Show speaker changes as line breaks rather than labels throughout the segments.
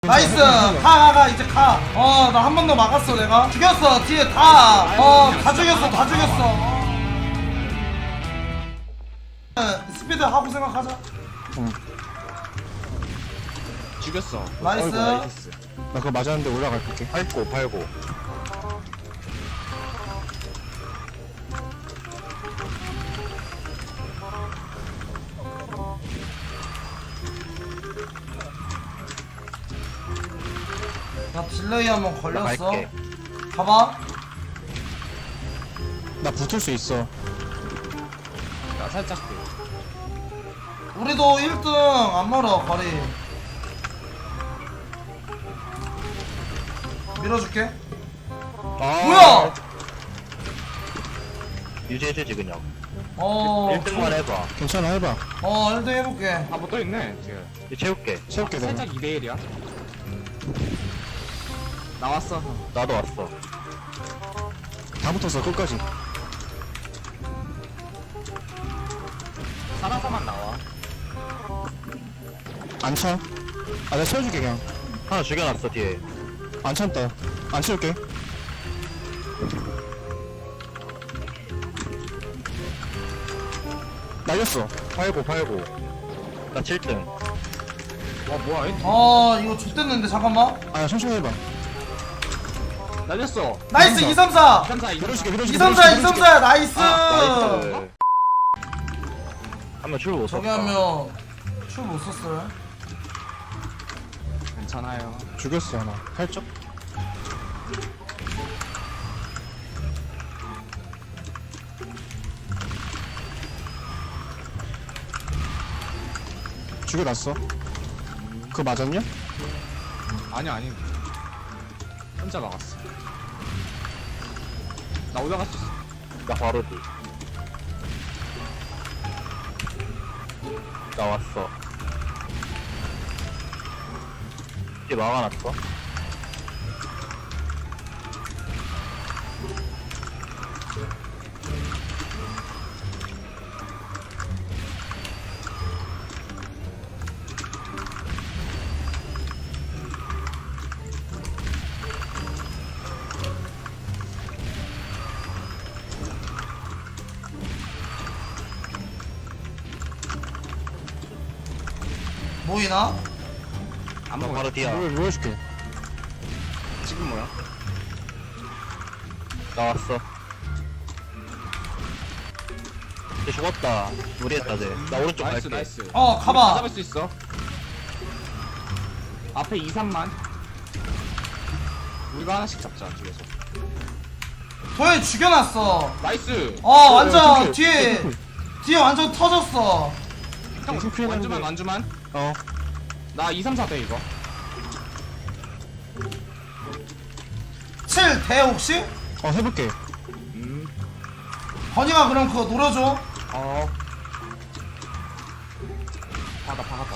나이스. 가 이제 가. 나 한 번 더 막았어. 내가 죽였어. 뒤에 다 죽였어. 스피드 하고 생각하자.
죽였어.
나이스.
어이구, 나이스.
나 그거 맞았는데 올라갈게.
팔고.
나 딜레이 한번
나
걸렸어.
갈게.
가봐.
나 붙을 수 있어.
나 살짝
우리도 1등 안 멀어 거리. 밀어줄게. 뭐야?
유지해주지 그냥.
1등만
해봐.
괜찮아, 해봐.
1등 해볼게.
뭐 또 있네 지금. 채울게.
채울게, 내가.
살짝 2대1이야. 나왔어. 나도 왔어.
다 붙었어, 끝까지.
살아서만 나와.
안 차. 내가 채워줄게, 그냥.
하나 죽여놨어 뒤에.
안 참다. 안 채울게. 날렸어.
팔고. 나 7등. 뭐야?
이거 X됐는데 잠깐만.
천천히 해봐.
날렸어.
나이스 2, 3, 4.
3, 4, 2, 3, 4.
밀어줄게.
2, 3, 4, 2, 3, 4. 나이스.
나이스. 한명 출 못 썼다.
저기 하면 출 못 썼어요.
괜찮아요.
죽였어, 하나. 살짝. 죽여놨어. 그거 맞았냐?
아니. 혼자 막았어. 나 올라갈 수 있어. 나 바로 뒤. 나왔어. 이제 막아놨어.
보이나?
안 먹어. 바로 뒤야.
뭐 해줄게.
지금 뭐야? 나왔어. 쟤 죽었다. 무리했다 쟤. 나 오른쪽 갈게. 나이스.
가봐.
잡을 수 있어. 앞에 2, 3만. 우리가 하나씩 잡자 뒤에서.
도현이 죽여놨어.
나이스.
완전 뒤에 완전 터졌어.
형 완주만. 나 2, 3, 4대 이거.
7 대 혹시?
해볼게.
건이가 그럼 그거 노려줘.
박았다.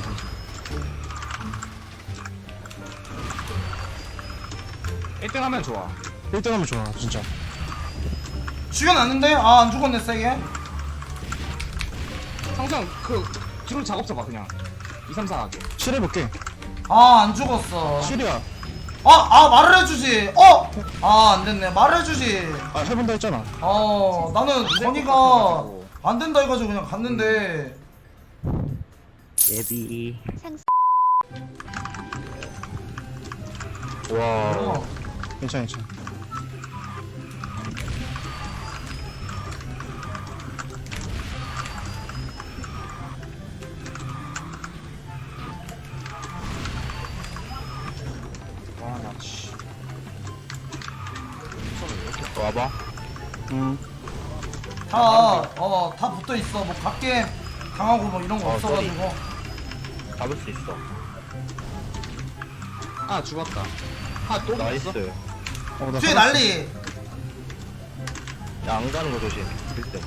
1등 하면 좋아.
1등 하면 좋아, 진짜.
죽여놨는데? 안 죽었네 세게.
항상 뒤로 작업 잡아 그냥. 2, 3, 4 하게.
7 해볼게.
안 죽었어.
7이야.
말을 해주지. 안됐네. 말을 해주지.
해본다 했잖아.
나는 건이가 안된다 해가지고 그냥 갔는데.
예비. 와.
괜찮아.
와봐.
다 붙어있어. 뭐 각게 당하고 뭐 이런 거 없어가지고.
잡을 수 있어. 죽었다. 또 나이스.
나
뒤에
살았어.
난리.
야, 안 가는 거 조심. 1등.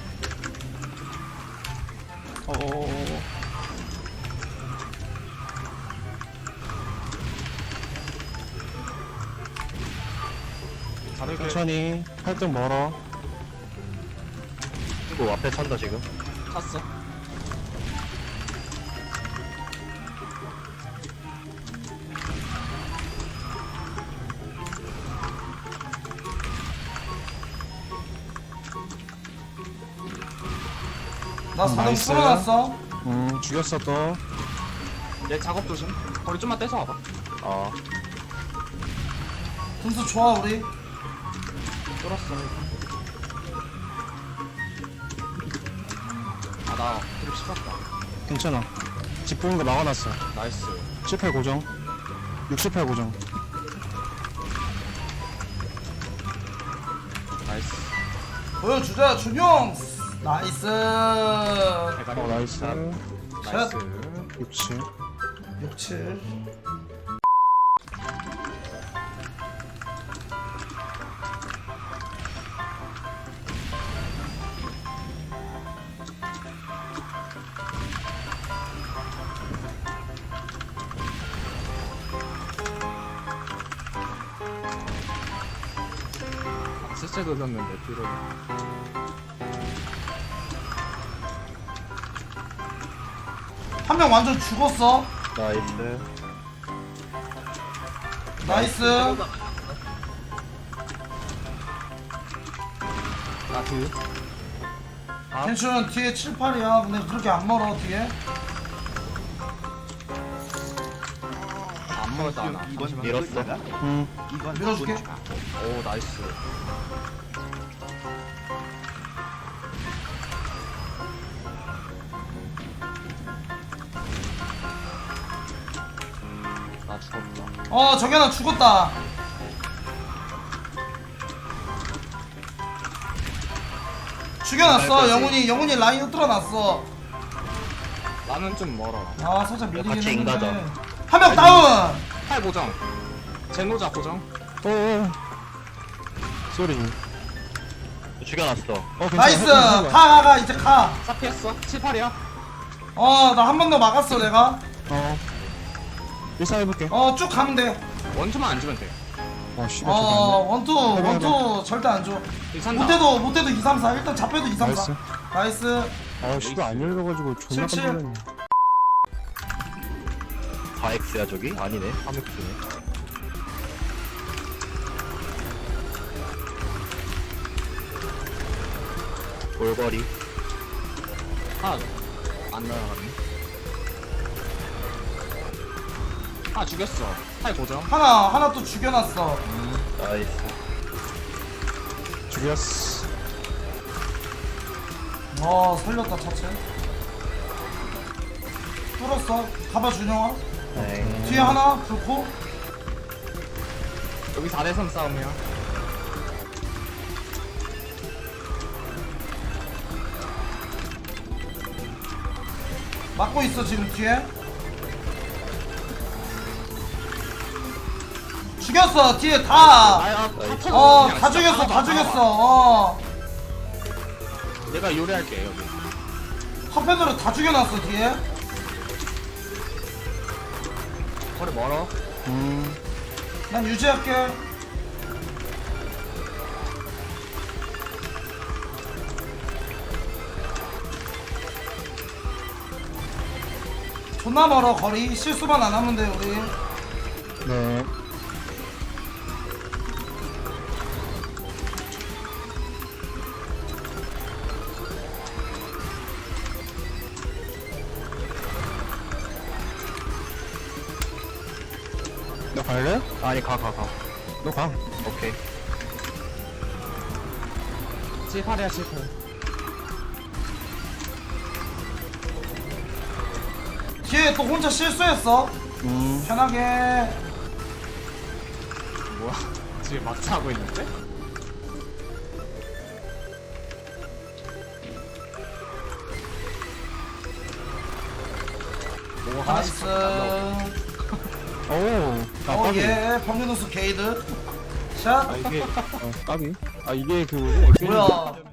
천천히. 8등 멀어.
이거 앞에 찬다 지금. 찼어.
나 4등
나이스.
풀어놨어.
죽였어 또.
얘 작업 조심. 거리 좀만 떼서 와봐.
등수 좋아 우리.
뚫었어. 나 드립 씹었다.
괜찮아. 집 보는 거 막아놨어.
나이스.
18 고정. 68 고정.
나이스.
보여주자 준용. 나이스.
대가리.
나이스.
나이스.
67.
67.
실제 돌렸는데 뒤로.
한 명 완전 죽었어.
나이스.
나이스.
나 뒤.
괜찮은 뒤에 7, 8이야. 근데 그렇게 안 멀어 뒤에.
안 먹었다 하나.
이번 밀었어.
밀어줄게.
오 나이스. 나 죽었다.
저기 하나 죽었다. 죽여놨어. 영훈이 라인 흔들어놨어.
나는 좀 멀어.
아 살짝 밀리긴
같이
했는데.
인가자.
한 명 다운.
팔 고정. 제노자 고정.
오. 쏘리.
죽여놨어.
괜찮아.
나이스.
해봐.
가 이제 가.
싹 피했어. 7, 8이야.
나 한 번 더 막았어 내가.
일상 해볼게.
쭉 가면 돼.
원투만 안 주면 돼.
씨발 저거
원투 절대 안 줘.
괜찮다.
못해도 2, 3, 4. 일단 잡혀도 2, 3, 4. 나이스.
안 돼. 씨발 안 열려가지고 존나
칠, 칠.
깜짝 놀랐네.
4X야 저기? 아니네. 3X네. 골거리.
안 날아가네. 죽였어. 팔 고정.
하나 또 죽여놨어.
나이스.
죽였어.
살렸다 차체. 뚫었어. 가봐 준영아.
네.
뒤에 하나 불고.
여기 4대3 싸움이야.
막고 있어 지금 뒤에. 죽였어 뒤에 다. 다 죽였어 다 죽였어.
내가 요리할게 여기.
한편으로 다 죽여놨어 뒤에.
거리 멀어.
난 유지할게. 존나 멀어 거리. 실수만 안 하면 돼 우리.
네. 너 갈래?
아니 가.
너 가.
오케이.
7, 8이야 7, 8.
뒤에 또 혼자 실수했어. 편하게.
뭐야? 지금 막차 하고 있는데? 뭐 하나씩
나이스.
오. 까비.
예 범죄누수 게이드. 샷.
이게 까비. 이게 그거지?
뭐야.